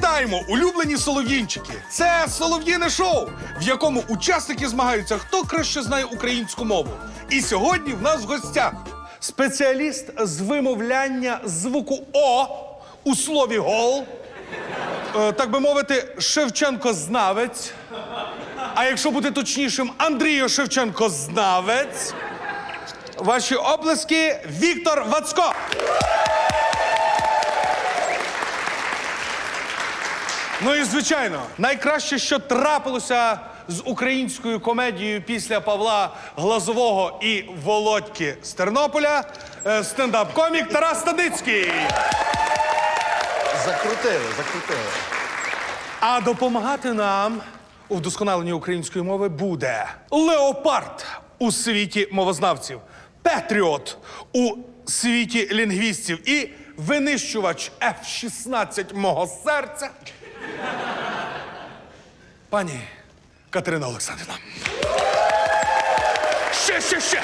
Вітаємо, улюблені солов'їнчики! Це солов'їне шоу, в якому учасники змагаються, хто краще знає українську мову. І сьогодні в нас в гостях спеціаліст з вимовляння звуку О у слові гол, так би мовити, Шевченко-знавець. А якщо бути точнішим, Андрію Шевченко-знавець. Ваші оплески – Віктор Вацко. Ну і, звичайно, найкраще, що трапилося з українською комедією після Павла Глазового і Володьки з Тернополя – стендап-комік Тарас Стадницький. Закрутили. А допомагати нам у вдосконаленні української мови буде леопард у світі мовознавців, патріот у світі лінгвістів і винищувач F-16 мого серця пані Катерина Олександрівна. Ще!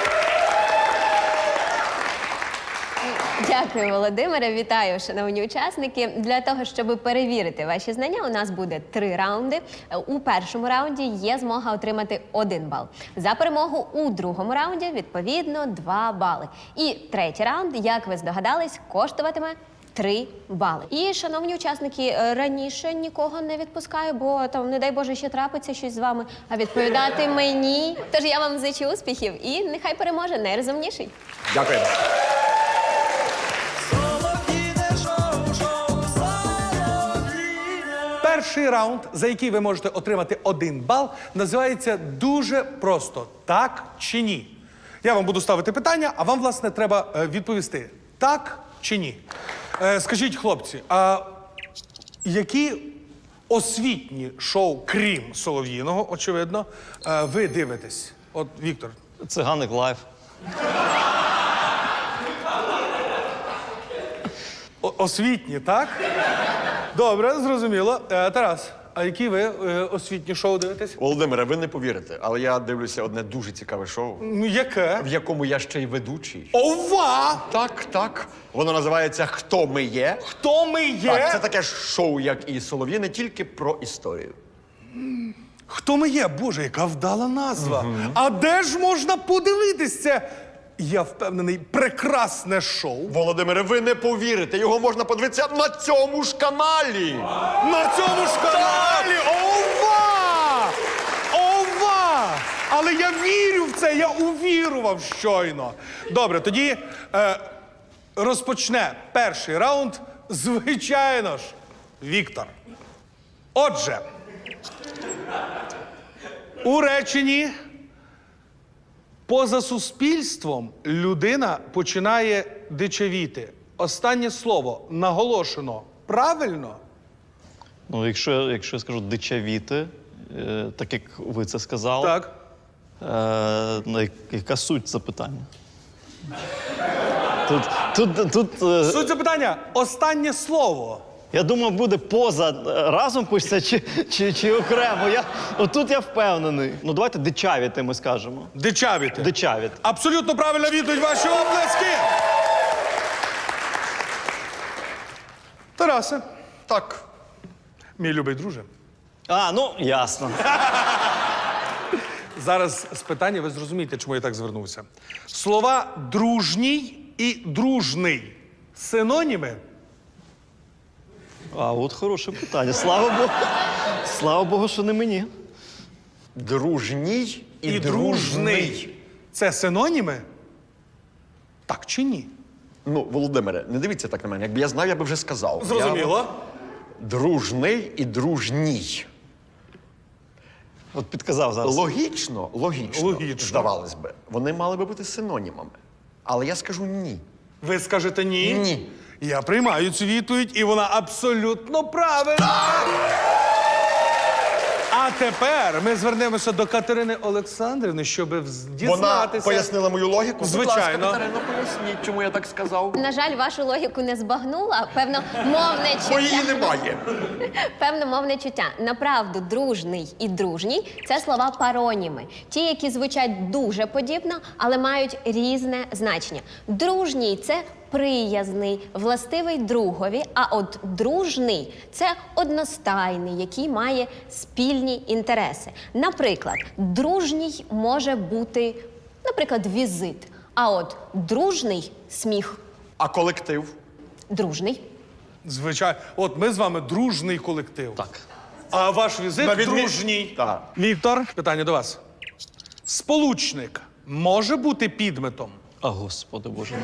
Дякую, Володимире. Вітаю, шановні учасники. Для того, щоб перевірити ваші знання, у нас буде 3 раунди. У першому раунді є змога отримати 1 бал. За перемогу у другому раунді, відповідно, 2 бали. І третій раунд, як ви здогадались, коштуватиме 3 бали. І, шановні учасники, раніше нікого не відпускаю, бо там, не дай Боже, ще трапиться щось з вами, а відповідати мені. Тож я вам зичу успіхів і нехай переможе найрозумніший. Дякую. Перший раунд, за який ви можете отримати 1 бал, називається дуже просто «Так чи ні?». Я вам буду ставити питання, а вам, власне, треба відповісти «так» чи «ні». Скажіть, хлопці, а які освітні шоу, крім Солов'їного, очевидно, ви дивитесь? От, Віктор. Циганик лайф. Освітні, так? Добре, зрозуміло. Тарас, а які ви освітні шоу дивитесь? Володимире, ви не повірите, але я дивлюся одне дуже цікаве шоу, Ну, яке? в якому я ще й ведучий. Ова! Так. Воно називається «Хто ми є?». Хто ми є? Так, це таке ж шоу, як і Солов'їне, тільки про історію. Хто ми є? Боже, яка вдала назва. А де ж можна подивитись це? Я впевнений, прекрасне шоу. Володимире, ви не повірите, його можна подивитися на цьому ж каналі. На цьому ж каналі! Ова! Ова! Але я вірю в це, я увірував щойно. Добре, тоді розпочне перший раунд, звичайно ж, Віктор. Отже, у реченні «поза суспільством людина починає дичавіти». Останнє слово наголошено правильно? Ну, якщо я скажу дичавіти, так як ви це сказали, Так. ну, яка суть запитання? Тут Суть запитання – останнє слово. я думав, буде поза разом пишеться чи окремо. Отут я впевнений. Ну, давайте дичавіти ми скажемо. Дичавіти. Дичавіти. Абсолютно правильна відповідь, ваші оплески. Тарасе, Так. мій любий друже, А, ну, ясно. зараз з питання ви зрозумієте, чому я так звернувся. Слова «дружній» і «дружний» – синоніми? А, от хороше питання. Слава Богу. Слава Богу, що не мені. Дружній і дружний. Це синоніми? Так чи ні? Ну, Володимире, не дивіться так на мене. Якби я знав, я би вже сказав. Зрозуміло. Дружний і дружній. От підказав зараз. Логічно, Логічно. здавалось би. Вони мали би бути синонімами. Але я скажу ні. Ви скажете ні? Ні. Я приймаю цю відповідь, і вона абсолютно правильна. А тепер ми звернемося до Катерини Олександрівни, щоб Вона дізнатися. пояснила мою логіку. Звичайно. Будь ласка, Катерино, поясніть, чому я так сказав. На жаль, вашу логіку не збагнула. Певно, мовне Бо її чуття. немає. Певно, мовне чуття. Направду, дружний і дружній – це слова пароніми. Ті, які звучать дуже подібно, але мають різне значення. Дружній – це приязний, властивий другові, а от дружний – це одностайний, який має спільні інтереси. Наприклад, дружній може бути, наприклад, візит, а от дружний – сміх. А колектив? Дружний. Звичайно. От ми з вами дружний колектив. Так. А ваш візит На відмін- дружній. Так. Віктор, питання до вас. Сполучник може бути підметом? А, Господи Боже мій.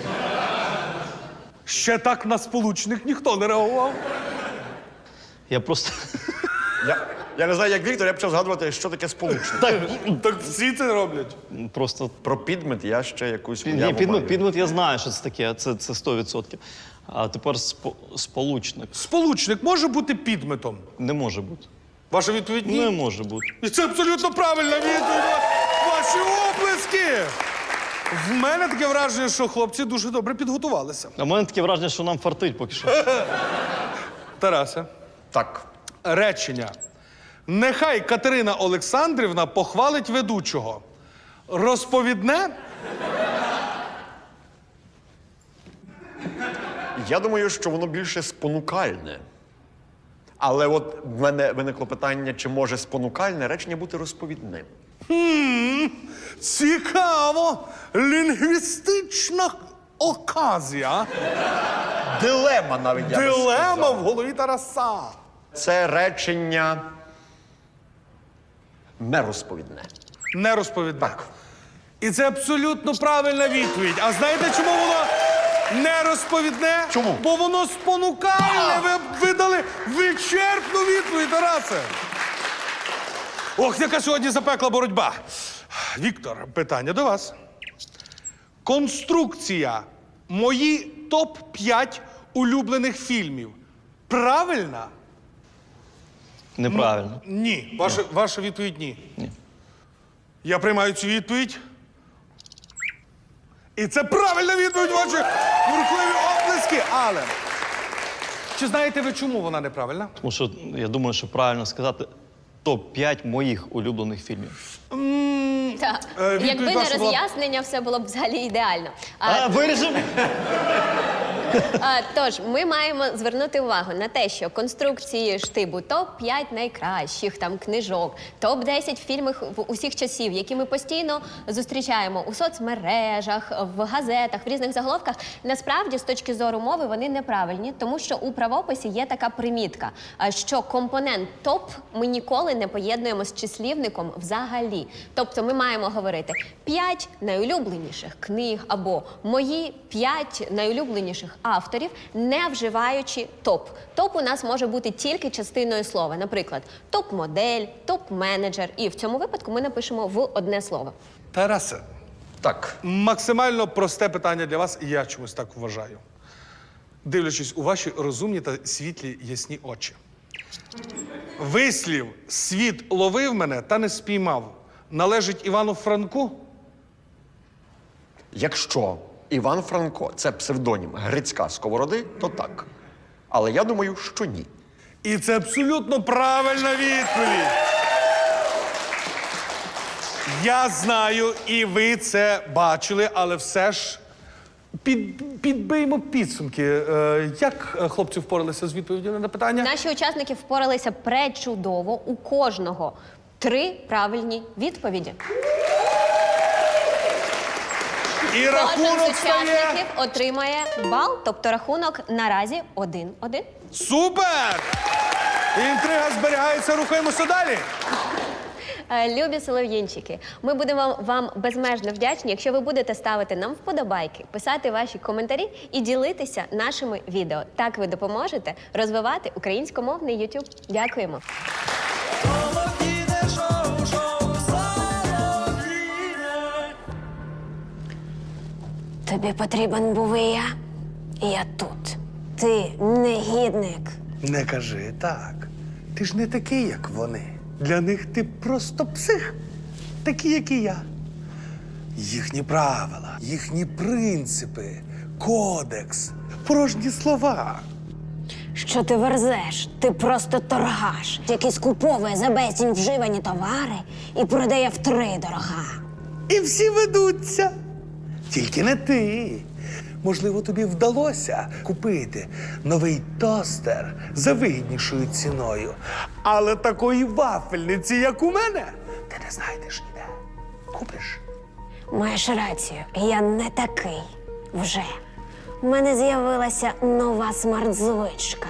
Ще так на сполучник ніхто не реагував. Я просто... Я не знаю, як Віктор, я почав згадувати, що таке сполучник. Так всі це роблять. Просто... Про підмет я ще якусь Ні, уяву маю. підмет я знаю, що це таке, це 100%. А тепер сполучник. Сполучник може бути підметом? Не може бути. Ваша відповідь ні? Не може бути. І це абсолютно правильна відповідь. Ваші оплески! В мене таке враження, що хлопці дуже добре підготувалися. А в мене таке враження, що нам фартить поки що. Тарасе, Так. речення. Нехай Катерина Олександрівна похвалить ведучого. Розповідне? Я думаю, що воно більше спонукальне. Але от в мене виникло питання, чи може спонукальне речення бути розповідним. Цікаво! Лінгвістична оказія. Дилема навіть, я би Дилема сказав. в голові Тараса. Це речення нерозповідне. Не розповідне. Так. І це абсолютно правильна відповідь. А знаєте, чому воно не розповідне? Чому? Бо воно спонукальне. Ви видали вичерпну відповідь, Тарасе. Ох, яка сьогодні запекла боротьба. Віктор, питання до вас. Конструкція «Мої топ-5 улюблених фільмів» правильна? Неправильно. Ні. Ваша відповідь ні. Ні. Я приймаю цю відповідь. І це правильна відповідь, ваші бурхливі оплески. Але чи знаєте ви, чому вона неправильна? Тому що я думаю, що правильно сказати топ-5 моїх улюблених фільмів. Так. відповідь Якби не ваша була- роз'яснення, все було б взагалі ідеально. Виріжемо? Тож, ми маємо звернути увагу на те, що конструкції штибу топ-5 найкращих там книжок, топ-10 фільмів усіх часів, які ми постійно зустрічаємо у соцмережах, в газетах, в різних заголовках, насправді, з точки зору мови, вони неправильні, тому що у правописі є така примітка, що компонент топ ми ніколи не поєднуємо з числівником взагалі. Тобто ми маємо говорити 5 найулюбленіших книг або мої 5 найулюбленіших авторів, не вживаючи топ. Топ у нас може бути тільки частиною слова. Наприклад, топ-модель, топ-менеджер. І в цьому випадку ми напишемо в одне слово. Тарасе, Так. максимально просте питання для вас, і я чомусь так вважаю. Дивлячись у ваші розумні та світлі ясні очі. Вислів «світ ловив мене та не спіймав» належить Івану Франку? Якщо Іван Франко – це псевдонім Грицька Сковороди, то так. Але я думаю, що ні. І це абсолютно правильна відповідь. Я знаю, і ви це бачили, але все ж підбиймо підсумки. Як хлопці впоралися з відповіддю на питання? Наші учасники впоралися пречудово. У кожного 3 правильні відповіді. І Кожен з рахунок стає... учасників отримає бал, тобто рахунок наразі 1-1. Супер! Інтрига зберігається, рухаємося далі. Любі солов'їнчики, ми будемо вам безмежно вдячні, якщо ви будете ставити нам вподобайки, писати ваші коментарі і ділитися нашими відео. Так ви допоможете розвивати українськомовний YouTube. Дякуємо. Тобі потрібен був і я тут. Ти негідник. Не кажи так. Ти ж не такий, як вони. Для них ти просто псих. Такий, як і я. Їхні правила, їхні принципи, кодекс, порожні слова. Що ти верзеш? Ти просто торгаш, який скуповує за безцінь вживані товари і продає втридорога. І всі ведуться. Тільки не ти. Можливо, тобі вдалося купити новий тостер за вигіднішою ціною. Але такої вафельниці, як у мене, ти не знайдеш ніде. Купиш? Маєш рацію, я не такий вже. У мене з'явилася нова смарт-звичка.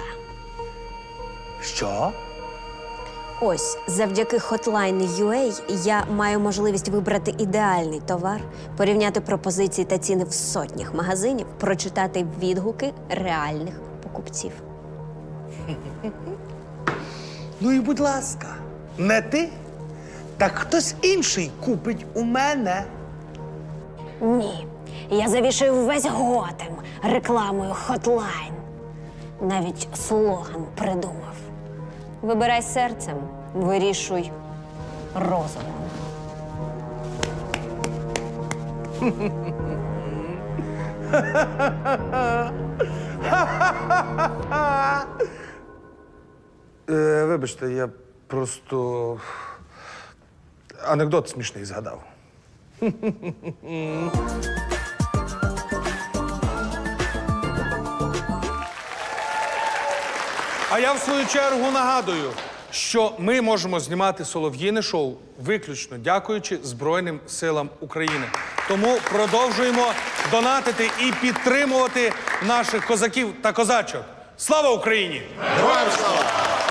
Що? Ось, завдяки Hotline.ua я маю можливість вибрати ідеальний товар, порівняти пропозиції та ціни в сотнях магазинів, прочитати відгуки реальних покупців. Ну і будь ласка, не ти, так хтось інший купить у мене. Ні, я завішаю весь Готем рекламою Hotline. Навіть слоган придумав. Вибирай серцем, вирішуй розумом. Вибачте, я просто анекдот смішний згадав. А я в свою чергу нагадую, що ми можемо знімати солов'їне шоу виключно дякуючи Збройним силам України. Тому продовжуємо донатити і підтримувати наших козаків та козачок. Слава Україні! Героям слава!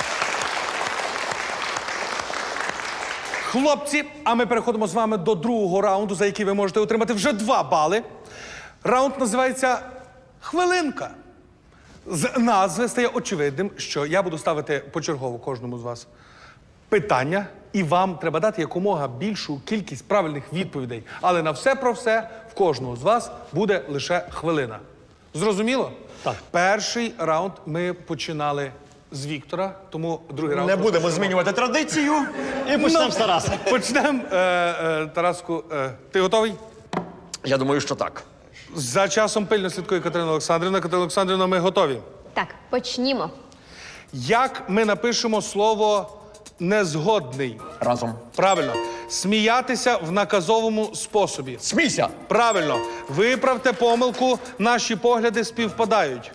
Хлопці, а ми переходимо з вами до другого раунду, за який ви можете отримати вже 2 бали. Раунд називається «Хвилинка». З назви стає очевидним, що я буду ставити почергово кожному з вас питання, і вам треба дати якомога більшу кількість правильних відповідей. Але на все про все в кожного з вас буде лише хвилина. Зрозуміло? Так. Перший раунд ми починали з Віктора, тому другий раунд... Не будемо змінювати традицію. І почнемо з Тараса. Почнемо. Тараску, ти готовий? Я думаю, що так. За часом пильно слідкує Катерина Олександрівна. Катерина Олександрівна, ми готові. Так, почнімо. Як ми напишемо слово «незгодний»? Разом. Правильно. Сміятися в наказовому способі. Смійся! Правильно. Виправте помилку, наші погляди співпадають.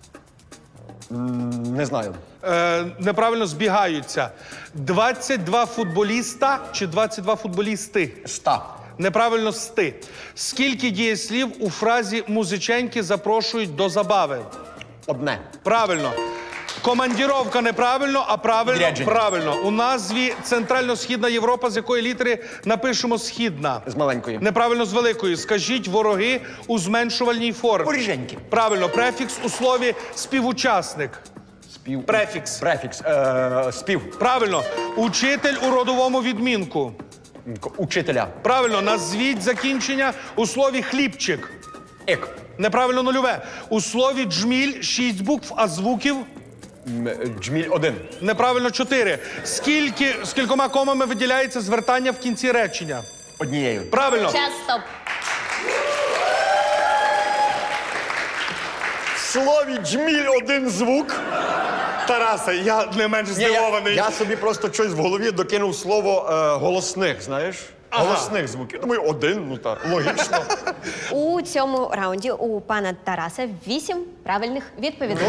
Не знаю. Неправильно збігаються. 22 футболіста чи 22 футболісти? 100. Неправильно сти. Скільки дієслів у фразі «музиченьки запрошують до забави»? Одне. Правильно. Командіровка неправильно, а правильно Відрядження. правильно. У назві Центрально-Східна Європа, з якої літери напишемо «східна». З маленької. Неправильно з великої. Скажіть «вороги» у зменшувальній формі. Воріженьки. Правильно. Префікс у слові «співучасник». Спів. Префікс. Префікс. Спів. Правильно. Учитель у родовому відмінку. Учителя. Правильно. Назвіть закінчення у слові «хлібчик». Ек. Неправильно нульове. У слові «джміль» 6 букв, а звуків? Джміль 1. Неправильно 4. З кількома комами виділяється звертання в кінці речення? Однією. Правильно. Час, стоп. В слові джміль 1 звук. Тарасе, я не менш Ні, здивований. я собі просто щось в голові докинув слово голосних, знаєш? Ага. Голосних звуків. Думаю, 1, ну так, логічно. У цьому раунді у пана Тараса 8 правильних відповідей.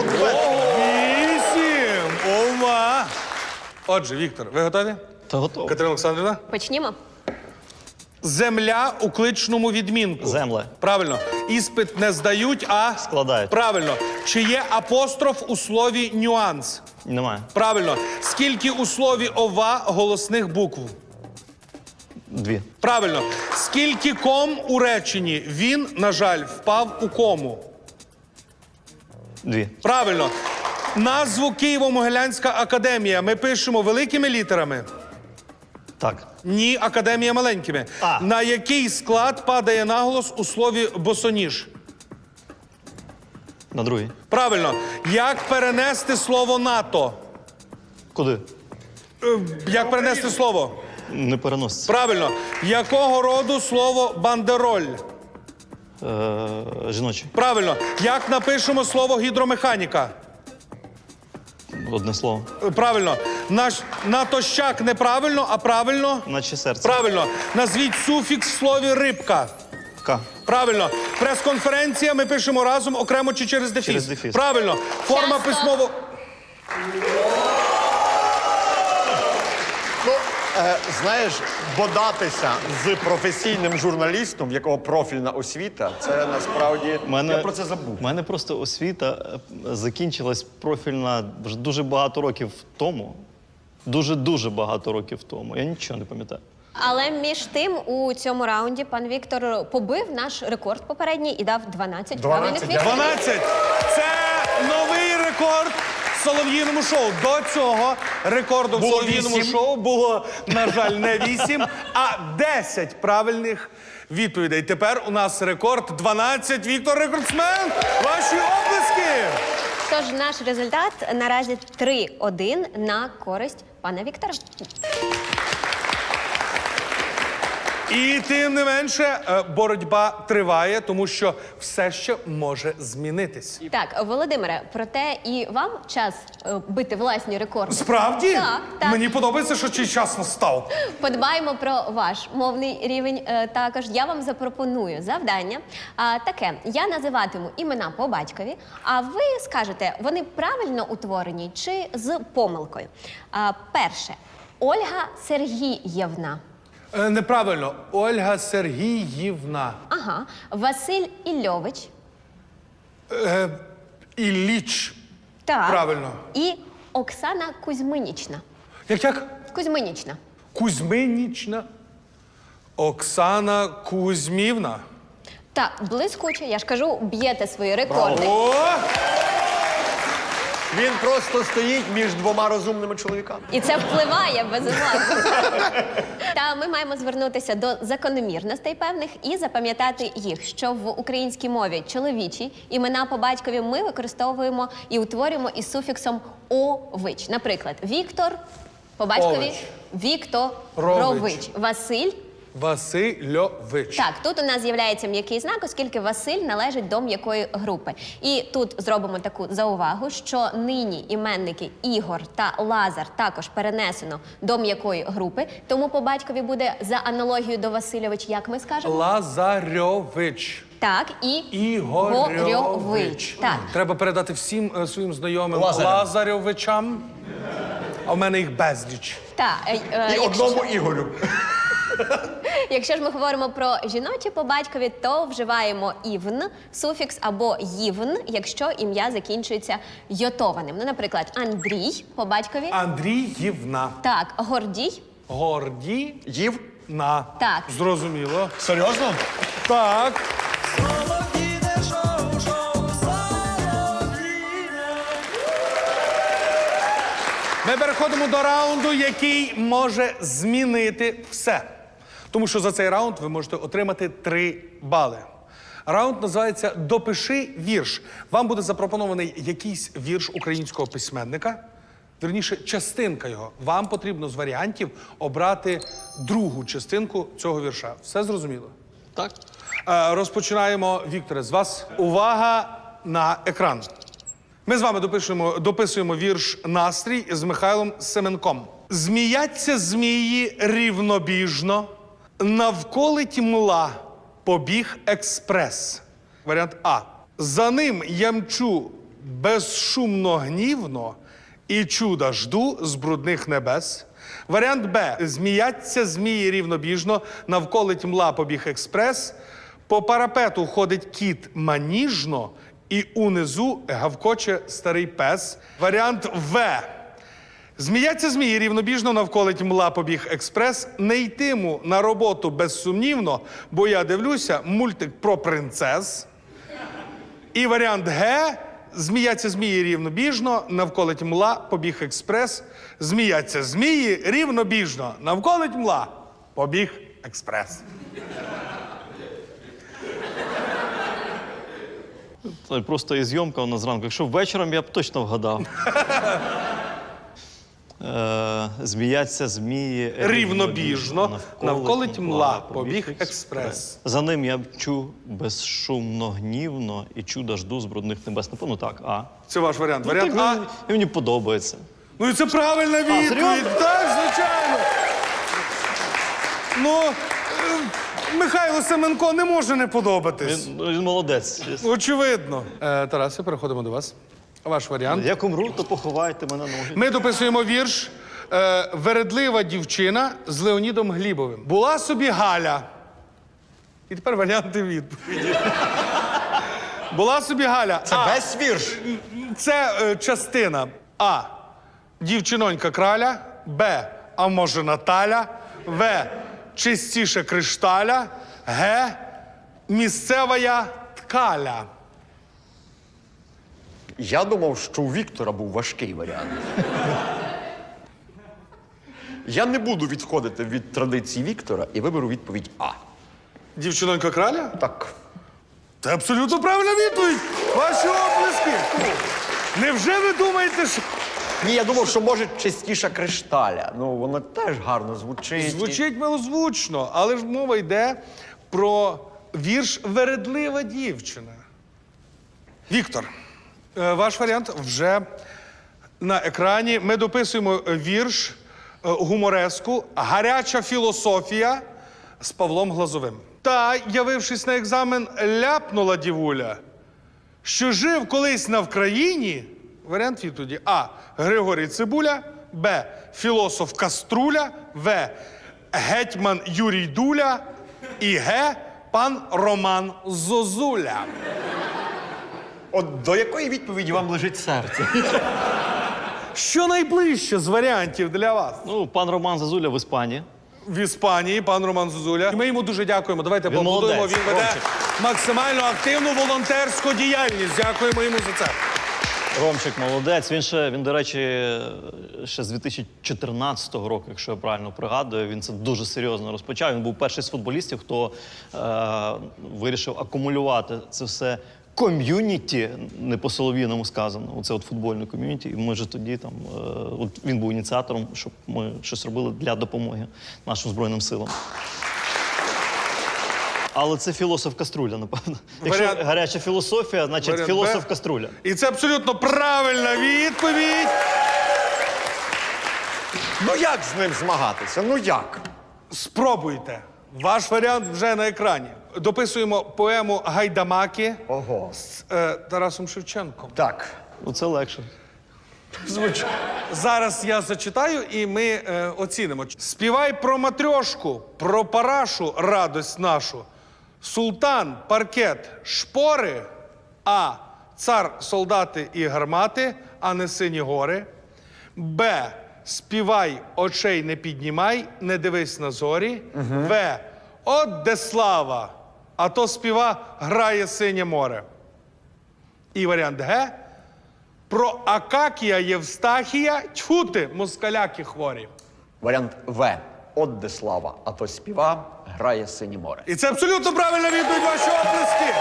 8! Ова! Отже, Віктор, ви готові? Та готово. Катерина Олександрівна? Почнімо. Земля у кличному відмінку. Земле. Правильно. Іспит не здають, а... Складають. Правильно. Чи є апостроф у слові «нюанс»? Немає. Правильно. Скільки у слові «ова» голосних букв? 2. Правильно. Скільки ком у реченні? Він, на жаль, впав у кому? 2. Правильно. Назву Києво-Могилянська академія ми пишемо великими літерами? Так. Ні, академія маленькими. А. На який склад падає наголос у слові «босоніж»? На 2. Правильно. Як перенести слово «НАТО»? Куди? Як перенести слово? Не переноситься. Правильно. Якого роду слово «бандероль»? Жіночий. Правильно. Як напишемо слово «гідромеханіка»? Одне слово. Правильно. Натощак неправильно, а правильно? Наче серце. Правильно. Назвіть суфікс в слові «рибка». К. Правильно. Прес-конференція ми пишемо разом, окремо чи через дефіс? Через дефіс. Правильно. Форма Часто. письмово... Ну, знаєш, бодатися з професійним журналістом, в якого профільна освіта, це насправді. Я про це забув. У мене просто освіта закінчилась профільна вже дуже багато років тому. Дуже-дуже багато років тому. Я нічого не пам'ятаю. Але між тим у цьому раунді пан Віктор побив наш рекорд попередній і дав 12 правильних відповідей. 12. Це новий рекорд в солов'їному шоу. До цього рекорду в Було солов'їному 8. шоу було, на жаль, не 8, а 10 правильних відповідей. Тепер у нас рекорд 12. Віктор рекордсмен. Ваші оплески! Тож наш результат наразі 3-1 на користь пана Віктора. І тим не менше, боротьба триває, тому що все ще може змінитись. Так, Володимире, проте і вам час бити власні рекорди. Справді? Так. Мені подобається, що цей час настав. Подбаємо про ваш мовний рівень також. Я вам запропоную завдання таке. Я називатиму імена по батькові, а ви скажете, вони правильно утворені чи з помилкою. Перше. Ольга Сергіївна. Неправильно. Ольга Сергіївна. Ага. Василь Ільович. Ілліч. Так. Правильно. І Оксана Кузьминічна. Як? Кузьминічна. Кузьминічна. Оксана Кузьмівна. Так, блискуче, я ж кажу, б'єте свої рекорди. О! Він просто стоїть між двома розумними чоловіками. І це впливає, безумовно. Та ми маємо звернутися до закономірностей певних і запам'ятати їх, що в українській мові чоловічі імена по батькові ми використовуємо і утворюємо із суфіксом «ович». Наприклад, Віктор по батькові Ович. Вікторович. Василь. Васильович. Так, тут у нас з'являється м'який знак, оскільки Василь належить до м'якої групи. І тут зробимо таку заувагу, що нині іменники Ігор та Лазар також перенесено до м'якої групи, тому по батькові буде за аналогією до Васильович, як ми скажемо? Лазарьович. Так, і Ігорьович. Так. Треба передати всім своїм знайомим Лазарям. Лазарьовичам. А в мене їх безліч. Так, І одному Ігорю. якщо ж ми говоримо про жіночі по батькові, то вживаємо івн, суфікс або ївн, якщо ім'я закінчується йотованим. Ну, наприклад, Андрій по батькові. Андріївна. Так, Гордій. Горді. Їв? На. Так. Зрозуміло. Серйозно? Так. Ми переходимо до раунду, який може змінити все. Тому що за цей раунд ви можете отримати 3 бали. Раунд називається «Допиши вірш». Вам буде запропонований якийсь вірш українського письменника, вірніше, частинка його. Вам потрібно з варіантів обрати другу частинку цього вірша. Все зрозуміло? Так? Розпочинаємо, Вікторе, з вас. Увага на екран. Ми з вами дописуємо вірш «Настрій» з Михайлом Семенком. Зміяться змії рівнобіжно, навколить мла побіг експрес. Варіант А. За ним я мчу безшумно гнівно і чуда жду з брудних небес. Варіант Б. Зміяться змії рівнобіжно, навколить мла побіг експрес. По парапету ходить кіт маніжно, і унизу гавкоче старий пес. Варіант В. Зміяться змії рівнобіжно, навколить мла побіг експрес. Не йтиму на роботу безсумнівно, бо я дивлюся мультик про принцес. І варіант Г. Зміяться змії рівнобіжно, навколить мла побіг експрес. Зміяться змії рівнобіжно, навколить мла побіг експрес. Це просто і зйомка у нас зранку. Якщо вечором, я б точно вгадав. Зміяться змії Рівнобіжно, навколить мла побіг експрес. За ним я мчу безшумно, гнівно і чуда жду з брудних небес. Напевно, так, А. Це ваш варіант. Ну, Варіант А. і мені подобається. Ну і це правильна відповідь. серйозно? Так, звичайно. Ну, Михайло Семенко не може не подобатись. Він молодець. Очевидно. Тарасе, переходимо до вас. Ваш варіант. Як умру, то поховайте мене ноги. Ми дописуємо вірш «Вередлива дівчина» з Леонідом Глібовим. Була собі Галя. І тепер варіанти відповіді. Була собі Галя. Це весь вірш. Це частина. А. Дівчинонька краля. Б. А може Наталя. В. Чистіше кришталя. Г. Місцева ткаля. Я думав, що у Віктора був важкий варіант. Я не буду відходити від традицій Віктора і виберу відповідь А. Дівчинонька краля? Так. Це абсолютно правильна відповідь. Ваші оплески. Невже ви думаєте, що... Ні, я думав, що може частіша кришталя. Ну, воно теж гарно звучить. Звучить милозвучно, але ж мова йде про вірш «Вередлива дівчина». Віктор, ваш варіант вже на екрані. Ми дописуємо вірш гумореску «Гаряча філософія» з Павлом Глазовим. Та, явившись на екзамен, ляпнула дівуля, що жив колись на Вкраїні. Варіант відповіді: А. Григорій Цибуля, Б. Філософ Каструля, В. Гетьман Юрій Дуля і Г. Пан Роман Зозуля. От до якої відповіді вам лежить серце? Що найближче з варіантів для вас? Ну, пан Роман Зазуля в Іспанії. В Іспанії пан Роман Зозуля. Ми йому дуже дякуємо. Давайте поаплодуємо. молодець, Він веде Ромчик. максимально активну волонтерську діяльність. Дякуємо йому за це. Ромчик молодець. Він, до речі, ще з 2014 року, якщо я правильно пригадую, він це дуже серйозно розпочав. Він був перший з футболістів, хто вирішив акумулювати це все ком'юніті, не по-солов'їному сказано, оце от футбольне ком'юніті. І ми ж тоді там, от він був ініціатором, щоб ми щось робили для допомоги нашим Збройним силам. Але це філософ Каструля, напевно. Якщо Варіант- гаряча філософія, значить Варіант філософ Б. Каструля. І це абсолютно правильна відповідь. Ну як з ним змагатися? Ну як? Спробуйте. Ваш варіант вже на екрані. Дописуємо поему «Гайдамаки» Ого. з Тарасом Шевченком. Так. Ну, це легше. Звучить. Зараз я зачитаю, і ми оцінимо. Співай про матрьошку, про парашу радость нашу. Султан, паркет, шпори, А. Цар, солдати і гармати, а не сині гори. Б. Співай, очей не піднімай, не дивись на зорі. В. От де слава, а то співа грає синє море. І варіант Г. Про Акакія Євстахія, тьфу ти, москаляки хворі. Варіант В. От де слава, а то співа, грає синє море. І це абсолютно правильна відповідь, ваші оплески.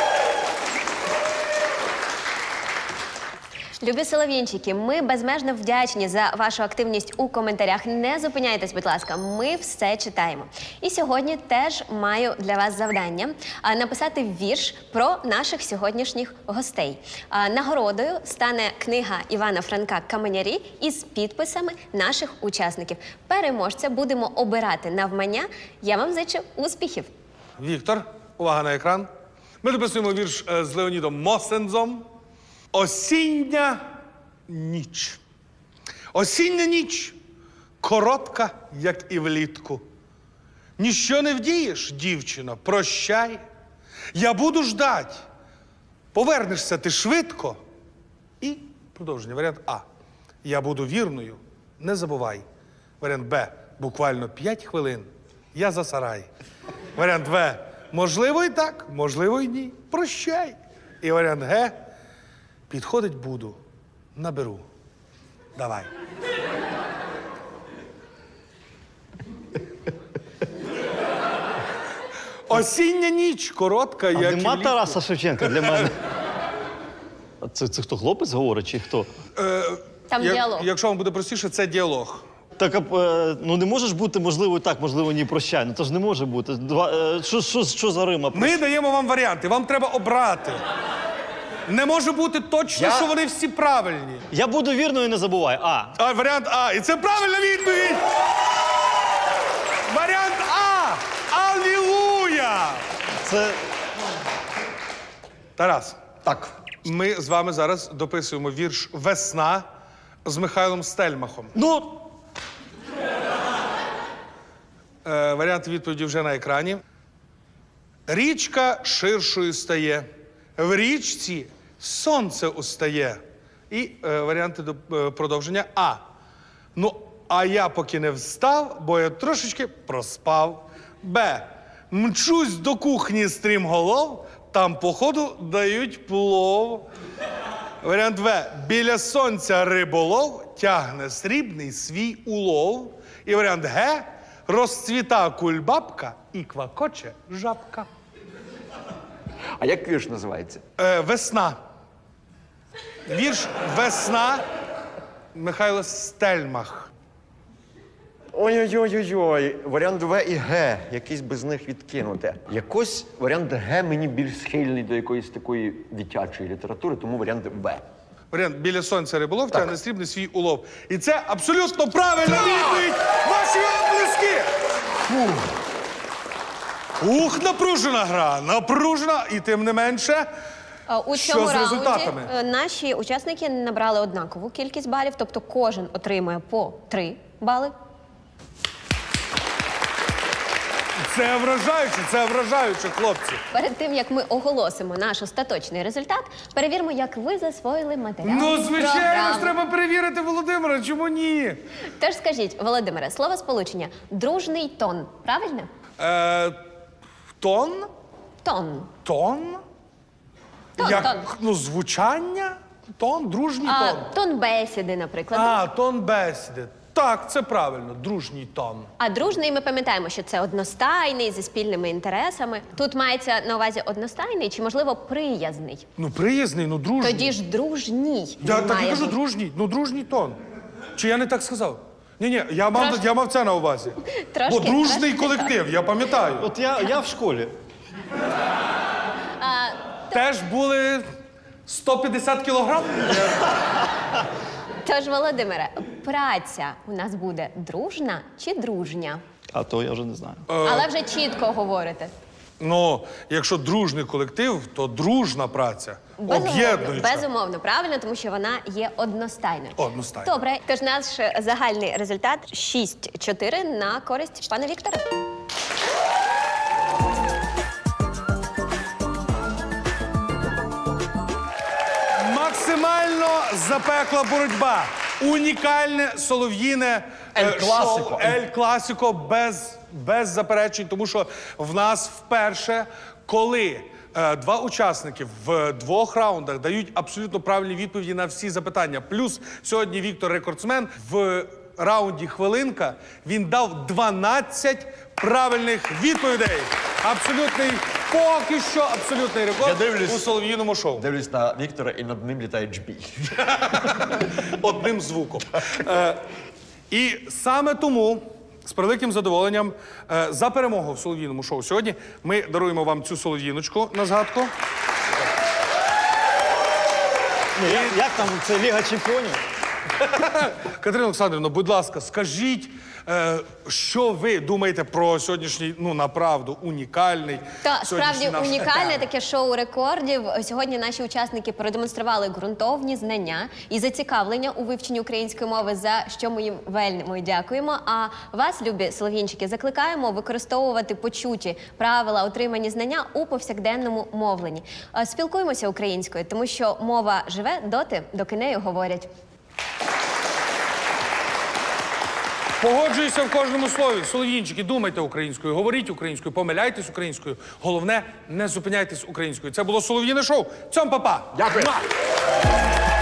Любі солов'їнчики, ми безмежно вдячні за вашу активність у коментарях. Не зупиняйтесь, будь ласка, ми все читаємо. І сьогодні теж маю для вас завдання написати вірш про наших сьогоднішніх гостей. Нагородою стане книга Івана Франка «Каменярі» із підписами наших учасників. Переможця будемо обирати навмання. Я вам зичу успіхів. Віктор, увага на екран. Ми дописуємо вірш з Леонідом Мосензом. Осіння ніч. Осіння ніч коротка, як і влітку. Ніщо не вдієш, дівчино, прощай. Я буду ждать. Повернешся ти швидко. І продовження. Варіант А. Я буду вірною, не забувай. Варіант Б. Буквально 5 хвилин. Я за сарай. Варіант В. Можливо і так, можливо і ні. Прощай. І варіант Г. Підходить буду, наберу. Давай. Осіння ніч коротка, А як і нема влітку. Тараса Шевченка для мене. А це хто, хлопець говорить чи хто? Там діалог. Якщо вам буде простіше, це діалог. Так, ну не можеш бути, можливо, і так, можливо, ні, прощай. Ну то ж не може бути. Що за Рима? Ми даємо вам варіанти, вам треба обрати. Не може бути точно, що вони всі правильні. Я буду вірною, не забувай. А. Варіант А. І це правильна відповідь! Варіант А! Алілуя! Це Тарас, Так. ми з вами зараз дописуємо вірш «Весна» з Михайлом Стельмахом. ну. Варіанти відповіді вже на екрані. Річка ширшою стає, в річці сонце устає. І варіанти продовження. А. Ну, а я поки не встав, бо я трошечки проспав. Б. Мчусь до кухні стрімголов, там, походу, дають плов. Варіант В. Біля сонця риболов тягне срібний свій улов. І варіант Г. Розцвіта кульбабка і квакоче жабка. А як вірш називається? Весна. Вірш «Весна» Михайло Стельмах. Ой-ой-ой-ой. Варіант В і Г. Якийсь би з них відкинути. Якось варіант Г мені більш схильний до якоїсь такої дитячої літератури, тому варіант В. Варіант «Біля сонця риболов тягне срібний свій улов». І це абсолютно правильна відповідь! Ваші оплески! Ух, напружена гра, напружена, і тим не менше. У Що цьому з раунді результатами? наші учасники набрали однакову кількість балів, тобто кожен отримує по 3 бали. Це вражаюче, хлопці. Перед тим, як ми оголосимо наш остаточний результат, перевіримо, як ви засвоїли матеріал. Ну, звичайно програми. ж, треба перевірити Володимира, чому ні? Тож скажіть, Володимире, словосполучення «дружний тон» правильне? Тон? Тон. Тон? Тон, Як, тон. ну, звучання? Тон? Дружній А тон. тон бесіди, наприклад. А, тон бесіди. Так, це правильно, дружній тон. А дружний, ми пам'ятаємо, що це одностайний, зі спільними інтересами. Тут мається на увазі одностайний чи, можливо, приязний. Ну, приязний, ну, дружній. Тоді ж дружній. Я він так і має кажу, бути. дружній. Ну, дружній тон. Чи я не так сказав? Ні, я мав це на увазі. Трошки, Бо дружний трошки колектив, я пам'ятаю. От я в школі. Теж були 150 кілограм. Тож, Володимире, праця у нас буде дружна чи дружня? А то я вже не знаю. Але вже чітко говорите. Ну, якщо дружний колектив, то дружна праця. Об'єднуюча. Безумовно, правильно, тому що вона є одностайною. Одностайною. Добре, тож наш загальний результат 6-4 на користь пана Віктора. Максимально запекла боротьба. Унікальне солов'їне Ель-Класико. шоу Ель-Класико без заперечень, тому що в нас вперше, коли два учасники в 2 раундах дають абсолютно правильні відповіді на всі запитання. Плюс сьогодні Віктор рекордсмен в раунді хвилинка. Він дав 12 правильних відповідей. Абсолютний, поки що абсолютний рекорд Я дивлюсь. у солов'їному шоу. Дивлюсь на Віктора і над ним літає джбій. Одним звуком. І саме тому з превеликим задоволенням за перемогу в солов'їному шоу сьогодні ми даруємо вам цю солов'їночку на згадку. Ні, як там це Ліга Чемпіонів? Катерина Олександрівна, будь ласка, скажіть, що ви думаєте про сьогоднішній, ну, направду, унікальний Та справді сьогоднішній наш унікальне етап? таке шоу рекордів. Сьогодні наші учасники продемонстрували ґрунтовні знання і зацікавлення у вивченні української мови, за що ми їм вельми дякуємо. А вас, любі солов'їнчики, закликаємо використовувати почуті правила, отримані знання у повсякденному мовленні. Спілкуємося українською, тому що мова живе доти, доки нею говорять. Погоджуюся в кожному слові. Солов'їнчики, думайте українською, говоріть українською, помиляйтесь українською. Головне, не зупиняйтесь українською. Це було солов'їне шоу. Цьом, па-па! Дякую. Муа!